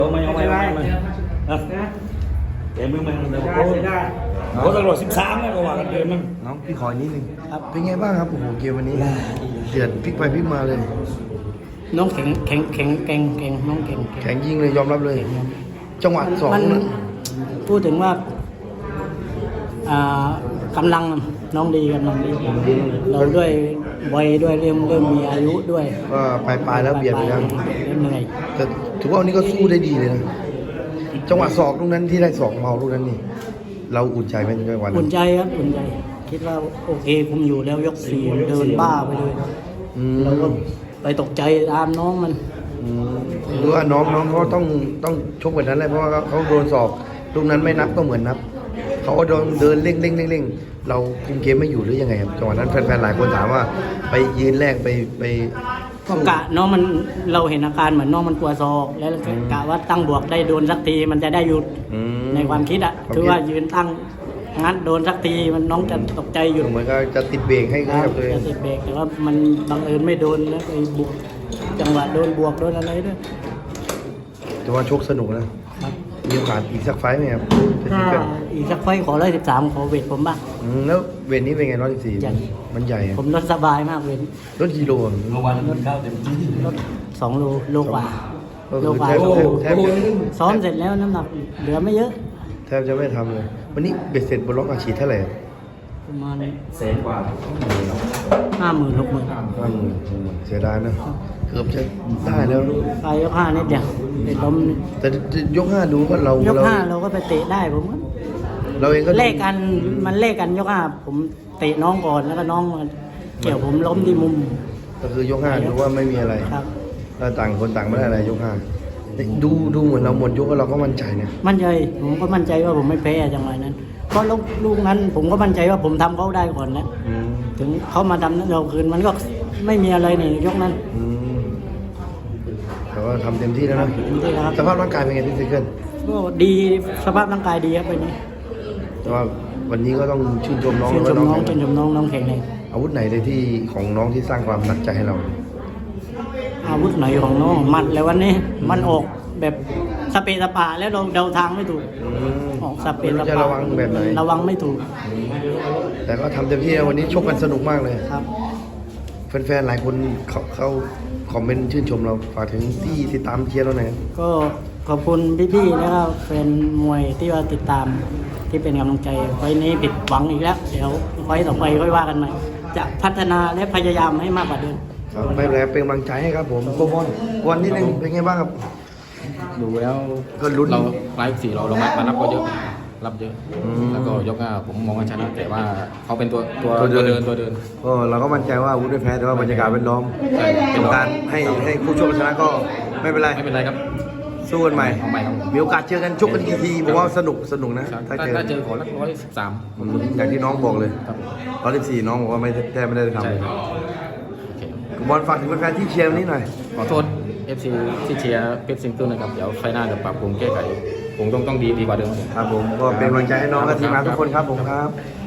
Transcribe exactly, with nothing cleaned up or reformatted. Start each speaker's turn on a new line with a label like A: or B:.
A: ไม่เอาไม่เอาไม่เอาเดี๋ยวมึงมันเดี๋ยวโค้ชโค้ชตลอดสิบสามนะก็ว่ากันเดิมมั้ง
B: น้องพี่ขอนิดนึงครับเป็นไงบ้างครับโอ้โหเกมวันนี้เดือดพลิกไปพลิกมาเลย
C: น้องแข็งแข็งแข็งแข็งแข็งน้องแข็ง
B: แข็งยิงเลยยอมรับเลย จังหวะสอง
C: มัน
B: นะ
C: พูดถึงว่าอ่ากำลังน้องดีกำลังดีเราด้วยวัยด้วยเริ่มเริ่มมีอายุด้วย
B: ก็ปลายปลายๆแล้วเบียดไปแล้ว
C: เริ่มเหนื่อย
B: แต่ถือว่าวันนี้ก็สู้ได้ดีเลยนะจังหวะศอกลูกนั้นที่ได้ศอกเมาลูกนั้นนี่เราอุ่นใจไหมในวัน
C: อุ่
B: นั้น น
C: ใจครับอุ่นใจ คิดว่าโอเคผมอยู่แล้วยกสี่เดินบ้าไปเลย
B: อืม
C: เราก็ไปตกใจตามน้องมัน
B: อืมหรือว่าน้องน้องเขาต้องต้องชกแบบนั้นเลยเพราะว่าเขาโดนศอกลูกนั้นไม่นับก็เหมือนนับเขาก็โดนเดินเร่งเร่งเร่งเร่งเราคุมเกมไม่อยู่หรือยังไงครับจังหวะนั้นแฟนๆหลายคนถามว่าไปยืนแรกไปไป
C: ก็กะน้องมันเราเห็นอาการเหมือนน้องมันกลัวศอกแล้วกะว่าตั้งบวกได้โดนสักทีมันจะได้หยุด
B: อืม
C: ในความคิดอ่ะ
B: ความคิด
C: คือว่ายืนตั้งงั้นโดนสักทีมันน้องจะตกใจอยู่
B: เหมือนก็จะติดเบรกให้
C: ครั
B: กั
C: บบ
B: ตัวเอง
C: จะติดเบรกแต่ว่ามันบังเอิญไม่โดนแล้วไปบวกจังหวะโดนบวกโดนอะไรด้วย
B: แต่ว่าชกสนุกนะ
C: ครับ
B: มีโอกาสอีกสักไฟต์ไหมครับ
C: ถ้าอีกสักไฟต์ขอร้อยสิบสามขอเวทผมบ้าง
B: อืมแล้วเวทนี้เป็นไงร้อยสิบสี่
C: ใหญ่
B: มันใหญ่อะ
C: ผมลดสบายมากเวท
B: รถกิโลอะ
A: เมื่อวานมันเข้าเต็มที่
C: ลดสองโลโลกว่า
B: ก็
C: โล
B: คือก
C: ว่า
B: แทบแทบแทบจะ
C: ซ้อมเสร็จแล้วน้ำหนักเหลือไม่เยอะ
B: แทบจะไม่ทำเลย วันนี้เบ็ดเสร็จบนล็อกอาชีพเท่าไหร่
C: ประมาณ
A: แสนกว่า
C: ห้าหมื่นหกหมื่น
B: ห้าหมื่นเสียดายนะเกือบจะได้แล้ว
C: ไปยกห้านิดเดียวไปล้ม
B: แต่ยกห้าดูก็เรา
C: ยก
B: เรา
C: ห้าเราก็ไปเตะได้ผมก็
B: เราเองก็ดู
C: เลขกันมันเลขกันยกห้าผมเตะน้องก่อนแล้วก็น้องมาเกี่ยวผมล้มที่มุม
B: ก็คือยกห้าดูว่าไม่มีอะไร
C: ครับ
B: ถ้าต่างคนต่างไม่ได้อะไรยกห้าดูดูเหมือนเราหมดยกแล้วเราก็มั่นใจนะ
C: มั่นใจผมก็มั่นใจว่าผมไม่แพ้จังหวะนั้นเพราะลูกลูกนั้นผมก็มั่นใจว่าผมทำเขาได้ก่อนแล้ว
B: อืม
C: ถึงเขามาทำเราคืนมันก็ไม่มีอะไรนี่ยกนั้น
B: อืมแต่ว่าทำเต็มที่แล้วนะ
C: เต็มที่แล้วครับ
B: สภาพร่างกายเป็นไงพี่ซิเกิล
C: ก็ดีสภาพร่างกายดีครับวันนี้
B: แต่ว่าวันนี้ก็ต้องชื่นชมน้อง
C: ชื่นชม
B: แล้ว
C: น้
B: ก็
C: องชื่นชมน้องน้องแข็งแรง
B: อาวุธไหนเลยที่ของน้องที่สร้างความหนักใจให้เรา
C: อาวุธไหนของน้องหมัดแล้ววันนี้มันออกแบบสเปะสปะแล้วเราเดาทางไม่ถูก
B: อืม
C: ออกสเป
B: ไม่
C: น
B: รู้จะระวังแบบไหน
C: ระวังไม่ถูก
B: แต่ก็ทำเต็มที่นะวันนี้ชกกันสนุกมากเลย
C: ครับ
B: แฟนๆ หลายคนเขาเขาคอมเมนต์ชื่นชมเราฝากถึงที่ติดตามเชียร์เราหน่อย
C: ก็ขอบคุณพี่ๆแล้วก็แฟนมวยที่ว่าติดตามที่เป็นกำลังใจไฟล์นี้ผิดหวังอีกแล้ว เดี๋ยวไฟล์ต่อไปค่อยว่ากันใหม่จะพัฒนาและพยายามให้มากกว่าเดิม
B: ครับไม่เป็นไรเป็นกำลังใจให้ครับผมโกบอลวันนี้หนึ่งเป็นไงบ้างครับ
D: ดูแล้ว
B: ก็ลุ้น
D: เราไลฟ์สี่เราเรามามารับก็เยอะรับเยอะ
B: อืม
D: แล้วก็ยกห้าผมมองว่าชนะแต่ว่าเขาเป็นตัวตัว
B: ตัวเดิน
D: ตัวเดินตัวเดิน
B: ก็เราก็มั่นใจว่าอาวุธไม่แพ้แต่ว่าบรรยากาศเป็นล้อม
D: ใช่เป็
B: เป็น น
D: รอง
B: การให้ให้คู่ชกชนะก็ไม่เป็นไร
D: ไม่เป็นไรครับ
B: สู้กันใหม่
D: เอาใหม่ครับ
B: มีโอกาสเจอกันชกกันกี่ทีผมว่าสนุกสนุกนะ
D: ถ้า
B: ถ้าเจอ
D: ถ้าเจอขอรักร้อยสิบสาม
B: อืมอย่างที่น้องบอกเลย
D: ครับ
B: ร้อยสิบสี่น้องบอกว่าไม่แทบไม่ได้ทำ
D: ใช่
B: เลย
D: ครับโอเค
B: บอลฝากถึงแฟนๆที่เชียร์วันนี้หน่อย
D: ขอโทษ เอฟ ซี ที่เชียร์เพชรซิงเกิลนะครับ เดี๋ยวไฟหน้าจะปรับปรุงแก้ไขผมต้องต้องดีดีกว่าเดิม
B: ครับผมก็เป็นกำลังใจให้น้องและทีมงานทุกคนครับผมครับ